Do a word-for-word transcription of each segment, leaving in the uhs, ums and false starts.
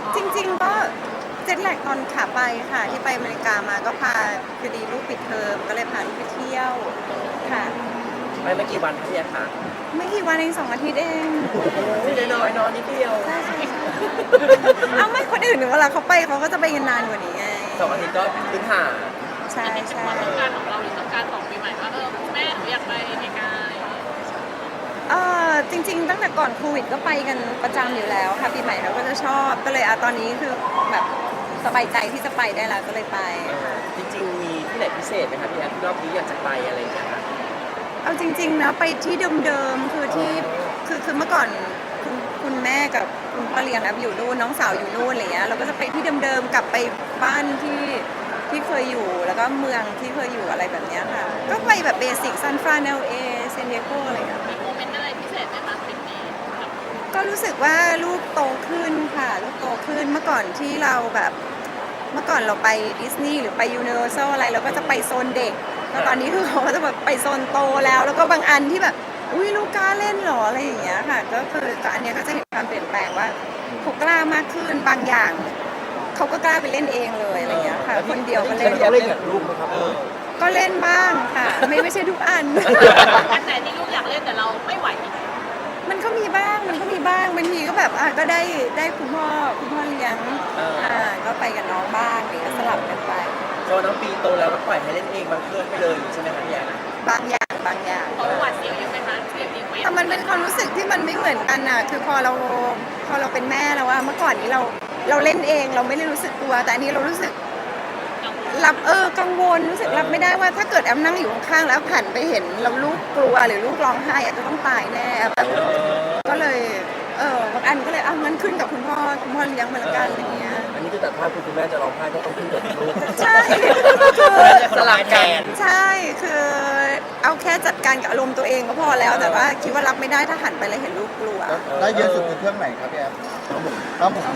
จริงๆก็เจ็ตแลกตอนขาไปค่ะที่ไปอเมริกามาก็พาพอดีลูกปิดเทอมก็เลยพาลูกไปเที่ยวค่ะไปไม่กี่วันพี่แอฟคะไม่กี่วันเองสองอาทิตย์เองไม่ได้น้อยนอนนิดเดียวใช่ใช่ใช่เอาไม่คนอื่นเวลาเขาไปเขาก็จะไปกันนานกว่านี้ไงสองอาทิตย์ก็พื้นฐานใช่ใช่ความต้องการของเราหรือต้องการของปีใหม่ว่าเออแม่หนูอยากไปอเมริกาเออจริง ๆ ตั้งแต่ก่อนโควิดก็ไปกันประจำอยู่แล้วค่ะปีใหม่เราก็จะชอบก็เลยอะตอนนี้คือแบบสบายใจที่จะไปได้แล้วก็เลยไปค่ะจริงๆมีที่ไหนพิเศษไหมคะพี่แอฟรอบนี้อยากจะไปอะไรอย่างเงี้ยค่ะเอาจริงๆนะไปที่เดิมๆคือที่คือคือเมื่อก่อนคุณคุณแม่กับคุณพ่อเลี้ยงแอบอยู่นู่นน้องสาวอยู่นู่นอะไรเงี้ยเราก็จะไปที่เดิมๆกลับไปบ้านที่ที่เคยอยู่แล้วก็เมืองที่เคยอยู่อะไรแบบเนี้ยค่ะก็ไปแบบเบสิกซันฟรานเอลเอเซนเดียโกอะไรเงี้ยมีโมเมนต์อะไรพิเศษไหมคะทริปนี้กับก็รู้สึกว่าลูกโตขึ้นค่ะลูกโตขึ้นเมื่อก่อนที่เราแบบเมื่อก่อนเราไปดิสนีย์หรือไปยูนิเวอร์แซลอะไรเราก็จะไปโซนเด็กแล้วตอนนี้คือเขาก็จะแบบไปโซนโตแล้วแล้วก็บางอันที่แบบอุ้ยลูกกล้าเล่นเหรออะไรอย่างเงี้ยค่ะก็คือก็อันเนี้ยก็จะเห็นความเปลี่ยนแปลงว่าเขากล้ามากขึ้นบางอย่างเขาก็กล้าไปเล่นเองเลยอะไรอย่างเงี้ยค่ะคนเดียวก็เล่นเขาเล่นกับลูกไหมครับก็เล่นบ้างค่ะไม่ไม่ใช่ทุกอันอันไหนที่ลูกอยากเล่นแต่เราไม่ไหวมันก็มีบ้างมันก็มีบ้างบางทีก็แบบอ่ะก็ได้ได้คุณพ่อคุณพ่อเลี้ยงอ่าก็ไปกับน้องบ้างอะไรเงี้ยสลับกันไปโจน้องปีโตแล้วก็ปล่อยให้เล่นเองบางเครื่องไปเลยใช่ไหมคะพี่แอฟบางอย่างบางอย่างเพราะหวาดเสียวยังไหมคะเรียบรีเควสแต่มันเป็นความรู้สึกที่มันไม่เหมือนกันน่ะคือพอเราพอเราเป็นแม่แล้วว่าเมื่อก่อนนี้เราเราเล่นเองเราไม่ได้รู้สึกกลัวแต่อันนี้เรารู้สึกรับเออกังวลรู้สึกรับไม่ได้ว่าถ้าเกิดแอมนั่งอยู่ข้างๆแล้วผ่านไปเห็นเราลูกกลัวหรือลูกร้องไห้อาจจะต้องตายแน่แบบก็เลยเออบางอันก็เลยอ่ะงั้นขึ้นกับคุณพ่อคุณพ่อเลี้ยงมาละกันอะไรเงี้ยอันนี้คือตัดภาพคุณแม่จะร้องไห้ก็ต้องขึ้นกับลูกใช่คือสลับกันใช่คือเอาแค่จัดการกับอารมณ์ตัวเองก็พอแล้วแต่ว่าคิดว่ารับไม่ได้ถ้าหันไปแล้วเห็นลูกกลัวได้เยอะสุดคือเครื่องไหนครับพี่แอฟน้ำหมุนน้ำหมุน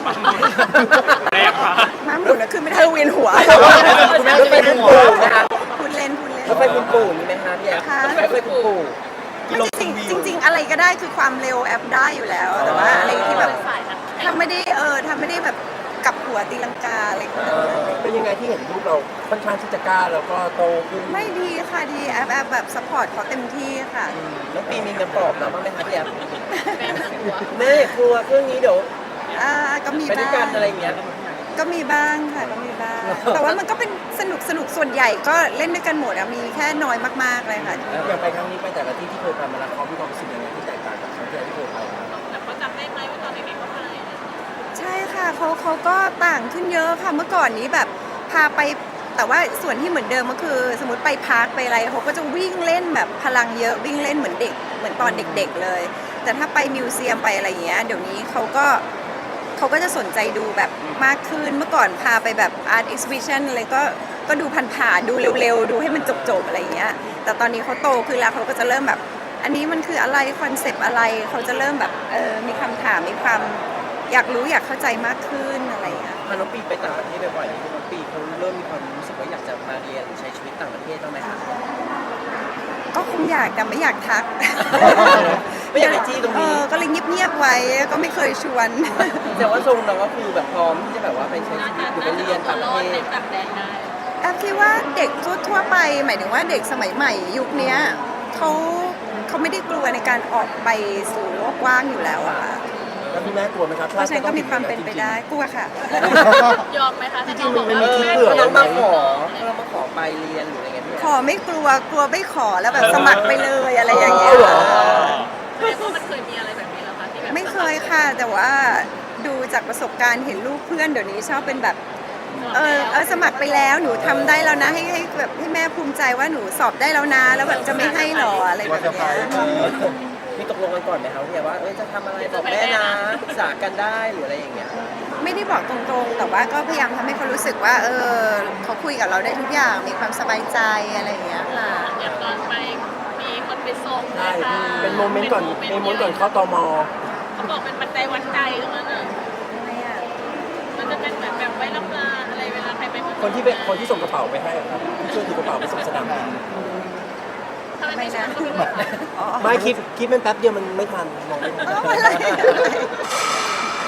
ม้าหมุนนะคือไม่ได้เวียนหัวคุณแม่จะไปคุณปู่นะคะพูดเล่นพูดเล่นก็ไปคุณปู่มีไหมคะพี่แอฟค่ะก็ไปคุณปู่ไม่จริงจริงจริง ๆ อะไรก็ได้คือความเร็วแอปได้อยู่แล้ว แต่ว่าอะไรที่แบบสายนักแข่งถ้าไม่ได้เออถ้าไม่ได้แบบกลับหัวตีลังกาอะไรอย่างเงี้ยเป็นยังไงที่เห็นลูกเราค่อนข้างที่จะกล้าแล้วก็โตขึ้นไม่ดีค่ะดีแอปแอปแบบสปอร์ตเขาเต็มที่ค่ะน้องปีมีเงินปลอบเราบ้างไหมคะพี่แอฟแม่หัวแม่กลัวเครื่องนี้เดี๋ยวอ่าก็มีไปด้วยบ้ากังนอะไรอย่างเงี้ยก็มีบ้างค่ะก็มีบ้าง แต่ว่ามันก็เป็นสนุกสนุกส่วนใหญ่ก็เล่นด้วยกันหมดอะมีแค่น้อยมากๆเลยค่ะอย่างไปครั้งนี้ไปแต่ละที่ที่เคยไปมาแล้วเขามีความรู้สึกยังไงที่แตกต่างจากครั้งที่แล้วที่เคยไปมาแต่เขาจำได้ไหมว่าตอนเด็กๆเขาไปใช่ค่ะเขาเขาก็ต่างขึ้นเยอะค่ะเมื่อก่อนนี้แบบพาไปแต่ว่าส่วนที่เหมือนเดิมก็คือ สมมติไปพาร์คไปอะไรเขาก็จะวิ่งเล่นแบบพลังเยอะวิ่งเล่นเหมือนเด็กเหมือนตอนเด็ก ๆเลย แต่ถ้าไปมิวเซียมไปอะไรอย่างเงี้ยเดี๋ยวนี้เขาก็เขาก็จะสนใจดูแบบมากขึ้นเมื่อก่อนพาไปแบบอาร์ตเอ็กซิบิชันอะไรก็ก็ดูผ่านๆดูเร็วๆ ดูให้มันจบๆอะไรอย่างเงี้ยแต่ตอนนี้เขาโตขึ้นแล้วเขาก็จะเริ่มแบบ อันนี้มันคืออะไรคอนเซปต์อะไรเขาจะเริ่มแบบเออมีคำถามมีความอยากรู้อยากเข้าใจมากขึ้นอะไรอย่างเงี้ยพาน้องปีไปต่างประเทศบ่อยๆน้องปีเขาเริ่มมีความรู้สึกว่าอยากจะมาเรียนหรือใช้ชีวิตต่างประเทศบ้างไหมคะก็คงอยากแต่ไม่อยากทักไม่อยากไปจี้ตรงเอนี้อก็เลยเงียบๆไว้ก็ไม่เคยชวนแต่ว่าทรงเราก็คือแบบพร้อมที่จะแบบว่าไปใช้น่าชีวิจะตหรือไปน่าจะเรียนตัวต่างปรระอเทดในศต่างแดนได้แอฟคิดว่าเด็กทั่วๆไป หมายถึงว่าเด็กสมัยใหม่ยุคเนี้ยเขาเขาไม่ได้กลัวในการออกไปสู่โลกกว้างอยู่แล้วอะค่ะแล้วพี่แม่กลัวไหมครับเพราะฉะนั้นก็มีความเป็นไปได้กลัวค่ะยอมไหมคะจริงๆมันมีคิดเผื่อเรามาขอเรามาขอไปเรียนหรืออะไรเงี้ยพี่ขอไม่กลัวกลัวไม่ขอแล้วแบบสมัครไปเลยอะไรอย่างเงี้ยเหรอแสดงว่ามันเคยมีอะไรแบบนี้แล้วคะที่แบบไม่เคยค่ะ แต่ว่าดูจากประสบการณ์เห็นลูกเพื่อนเดี๋ยวนี้ชอบเป็นแบบเออเออสมัครไปแล้วหนูทำได้แล้วนะให้ให้แบบให้แม่ภูมิใจว่าหนูสอบได้แล้วนะแล้วแบบจะไม่ให้หรออะไรแบบเนี้ยมีตกลงกันก่อนไหมครับพี่ว่าเออจะทำอะไรบอกแม่นะปรึกษากันได้หรืออะไรอย่างเงี้ยไม่ได้บอกตรงๆ แต่ว่าก็พยายามทำให้เขารู้สึกว่า เออเขาคุยกับเราได้ทุกอย่างมีความสบายใจอะไรอย่างเงี้ยค่ะอย่างตอนไปมีคนไปส่งใช่นะคะเป็นโมเมนต์ก่อนเป็นโมเมนต์ก่อนเข้าตมเขาบอกเป็นปัจจัยวัดใจตรงนั้นอ่ะอะไรอ่ะมันจะเป็นแบบแบบไว้รับลาอะไรเวลาใครไปเมืองคนที่เป็นคนที่ส่งกระเป๋าไปให้ครับที่ช่วยถือกระเป๋าไปส่งสนามบินทำไมไม่ไม่นะใช่ก็ไม่รู้อ๋อไม่คิดคิดมันแป๊บเดียวมันไม่ทันมองไม่ทันอ๋ออะไร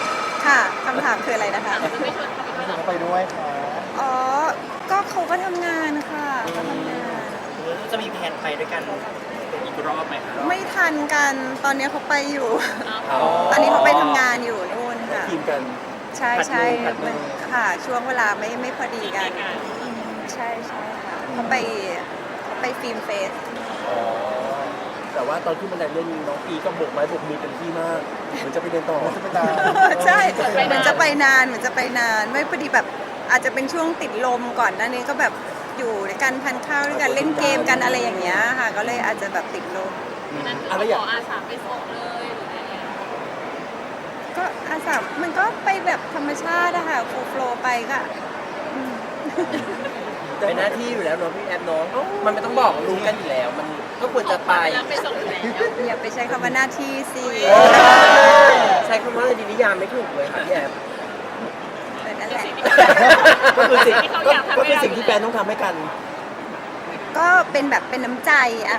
ค่ะคำถามคืออะไรนะคะจะไม่ชวนเขาไปด้วยหรอเขาไปด้วยค่ะอ๋อ ก็เขาก็ทำงานค่ะก็ทำงานจะมีแผนไปด้วยกันอีกรอบไหมครับไม่ทันกัน ตอนนี้เขาไปอยู่อ๋อตอนนี้เขาไปทำงานอยู่นู่นค่ะทีมกันใช่ใช่ผัดมือผัดมือค่ะ ช่วงเวลาไม่ไม่พอดีกัน ใช่ใช่ค่ะเขาไปเขาไปฟิล์มเฟสอ๋อแต่ว่าตอนที่มันเล่นน้องปีก็โบกไม้โบกมือเต็มที่มากเหมือนจะไปเรียนต่อจะไปตามใช่เหมือนจะไปนานเหมือนจะไปนาน ไม่พอดีแบบอาจจะเป็นช่วงติดลมก่อนหน้านี้ก็แบบอยู่ด้วยกันทานข้าวด้วยกันเล่นเกมกันอะไรอย่างเงี้ยค่ะ ก็เลยอาจจะแบบติดลมนั้นคืออะไรเขาอย่าขงออาสาไปส่งเลยหรือไงก็อาสามันก็ไปแบบธรรมชาติอะค่ะโฟล์โฟลว์ไปก็อืมเป็นหน้าที่อยู่แล้วเนาะพี่แอฟเนาะมันไม่ต้องบอกรู้กันอยู่แล้ว มันก็ควรจะไปแล้วไปส่งอยู่แล้วอย่าไปใช้คำว่าหน้าที่สิใช้คำว่าดีนิยามไม่ถูกเลยค่ะพี่แอฟแต่นั่นแหละก็คือสิ่งที่เขาก็อยากทำก็ให้คือเราสิ่งที่แฟนต้องทำให้กันก็เป็นแบบเป็นน้ำใจอะ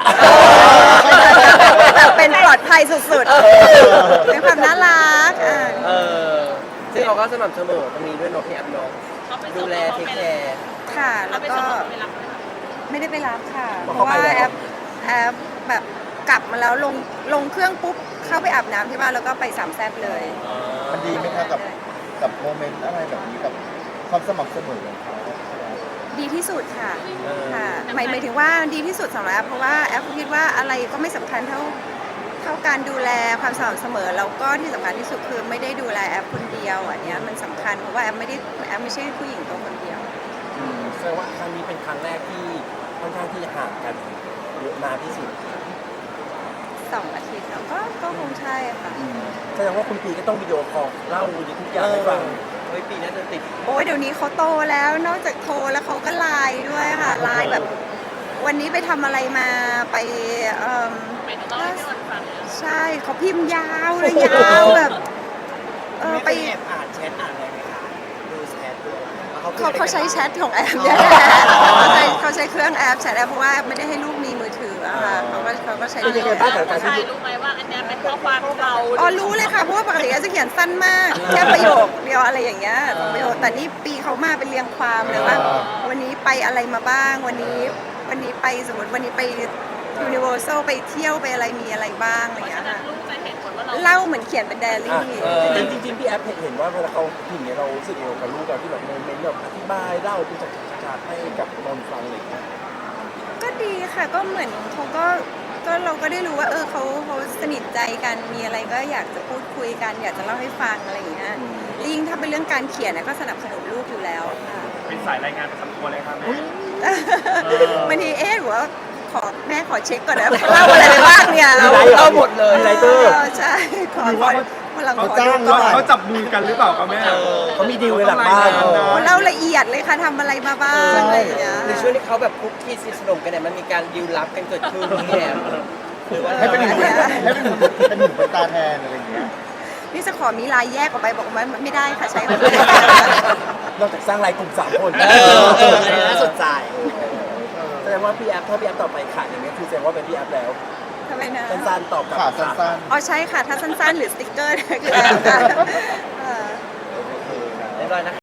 แบบเป็นปลอดภัยสุดๆเป็นความน่ารักอ่ะเออซึ่งเราก็สม่ำเสมอตรงนี้ด้วยเนาะพี่แอฟเนาะเขาไปส่ดูงแลเทคแคร์ค่ะเขาแล้วไปก็ส่งเขาไปรับไม่ได้ไปรับค่ะเพราะเพราะว่าเขาไปแล้วแอปแอปแบบกลับมาแล้วลงลงเครื่องปุ๊บเข้าไปอาบน้ำที่บ้านแล้วก็ไปสามแซ่บเลยมันดีไหมคะกับกับโมเมนต์อะไรแบบนี้กับความสม่ำเสมอของเขาดีที่สุดค่ะเออค่ะหมายหมายถึงว่าดีที่สุดสำหรับแอปเพราะว่าแอปคิดว่าอะไรก็ไม่สำคัญเท่าเท่าการดูแลความสม่ำเสมอแล้วก็ที่สำคัญที่สุดคือไม่ได้ดูแลแอปคนเดียวอันเนี้ยมันสำคัญเพราะว่าแอปไม่ได้แอปไม่ใช่ผู้หญิงตัวคนเดียวอืมแสดงว่าครั้งนี้เป็นครั้งแรกที่ค่อนข้างที่จะห่างกันเยอะนานที่สุดสองอาทิตย์แล้วก็ก็คงใช่ค่ะแสดงว่าคุณปีก็ต้องวิดีโอคอลเล่าทุกอย่างให้ฟังเฮ้ยปีน่าจะติดโอ้ยเดี๋ยวนี้เขาโตแล้วนอกจากโทรแล้วเขาก็ไลน์ด้วยค่ะไลน์แบบ วันนี้ไปทำอะไรมาไปเอ่มไปถึงต้องให้พี่วันฟังเลยใช่เขาพิมพ์ยาวเลยยาวแบบเออไปแอบอ่านแชทอ่านอะไรไหมคะดูแชทดูอะไรเขาเขาใช้แชทของแอปเนี่ยแหละเขาใช้เขาใช้เครื่องแอปแชทแอปเพราะว่าไม่ได้ให้ลูกมีมือถืออะค่ะเขาก็เขาก็ใช้เป็นยังไงแอบ้างปกับการใช่ที่รู้ไหมว่าอันเนี้ยเป็นข้อความเราอ๋อรู้เลยค่ะเพราะว่าปกติแอปจะเขียนสั้นมากแค่ประโยคเดียวอะไรอย่างเงี้ยสองประโยคแต่นี่ปีเขามาเป็นเรียงความเลยว่า วันนี้ไปอะไรมาบ้างวันนี้วันนี้ไปสมมติวันนี้ไปยูนิเวอร์แซลไปเที่ยวไปอะไรมีอะไรบ้างอะไรอย่างเงี้ยฉะนั้ค่ะนลูกจะเห็นผลว่าเราเล่าเหมือนเขียนเป็นไดอารี่จริงจริงๆพี่แอฟเห็นว่าเวลาเขาพิมพ์เนี่ยเรารู้สึกยังไงกับลูกเราที่แบบโมเมนต์แบบอธิบายเล่าเป็นฉากๆให้กับนนฟังอะไรอย่างเงี้ยก็ดีค่ะก็เหมือนเขาก็ก็เราก็ได้รู้ว่าเออเขาเขาสนิทใจกันมีอะไรก็อยากจะพูดคุยกัน อยากจะเล่าให้ฟังอะไรอย่างเงี้ยยิ่งถ้าเป็นเรื่องการเขียนนะก็สนับสนุนลูกอยู่แล้วค่ะเป็นสายรายงานประจำตัวเลยครับแม่บางทีเอ๊ะหรือว่าขอแม่ขอเช็คก่อนนะเล่าอะไรไปบ้างเนี่ยมีไลฟ์เหรอเราหมดเลยมีไลฟ์เตอร์ใช่ขอขอวันหลังขเขาอจ้าดูงก่อนเขาจับมือกันหรือเปล่าครับแม่เขามีดีลในหลังบ้านต้องรายงานนะโอ้เล่าละเอียดเลยค่ะทำอะไรมาบ้างอะไรอย่างเงี้ยในช่วงที่เขาแบบคุกคีสนิทสนมกันเนี่ยมันมีการดีลลับกันเกิดขึ้นพี่แอฟคือว่าให้เป็นหนึ่งให้เป็นหนึ่งเป็นหนึ่งเป็นตาแทนอะไรอย่างเงี้ยนี่จะขอมีลายแยกออกไปบอกว่าไม่ได้ค่ะใช้คนเดียวนอกจากสร้างรายกลุ่มสามคนเออเอออันนี้น่าสนใจแสดงว่าพี่แอฟถ้าพี่แอฟต่อไปขาดอย่างเงี้ยคือแสดงว่าเป็นพี่แอฟแล้วทำไมนะสั้นๆตอบกลับขาสั้นอ๋อใช่ค่ะ ถ้าสั้นๆ หรือสติ๊กเกอร์เนี่ยคือแอบค่ะเออเรียบร้อยนะ